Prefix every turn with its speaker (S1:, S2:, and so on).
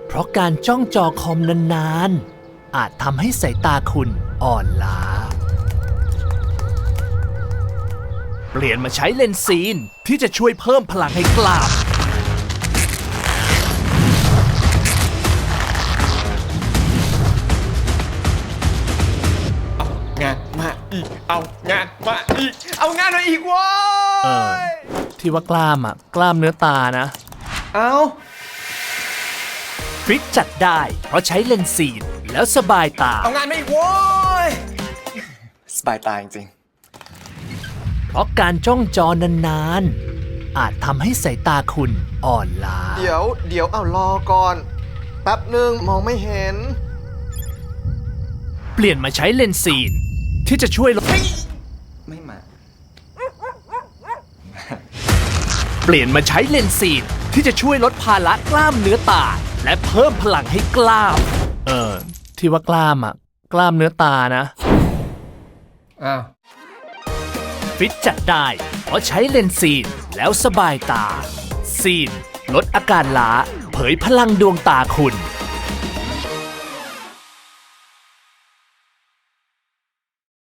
S1: เพราะการจ้องจอคอมนานๆอาจทำให้สายตาคุณอ่อนล้าเปลี่ยนมาใช้เลนส์ซีนที่จะช่วยเพิ่มพลังให้กล้าม
S2: งานมาอีกเอางานมาอีกเอางานมาอีกว้ย
S1: ที่ว่ากล้ามกล้ามเนื้อตานะ
S2: เอา
S1: ฟิตจัดได้เพราะใช้เลนส์ซีนแล้วสบายตา
S2: เอางานมาอีกว้ยสบายตาจริง
S1: เพราะการจ้องจอนานๆอาจทำให้สายตาคุณอ่อนล้า
S2: เดี๋ยวเอารอก่อนแป๊บหนึ่งมองไม่เห็น
S1: เปลี่ยนมาใช้เลนส์ซีนที่จะช่วยลด
S2: ไม่มา
S1: เปลี่ยนมาใช้เลนส์ซีนที่จะช่วยลดภาระกล้ามเนื้อตาและเพิ่มพลังให้กล้ามที่ว่ากล้ามกล้ามเนื้อตานะ
S2: อ้าว
S1: ฟิตจัดได้เพราะใช้เลนส์ซีนแล้วสบายตาซีนลดอาการล้าเผยพลังดวงตาคุณ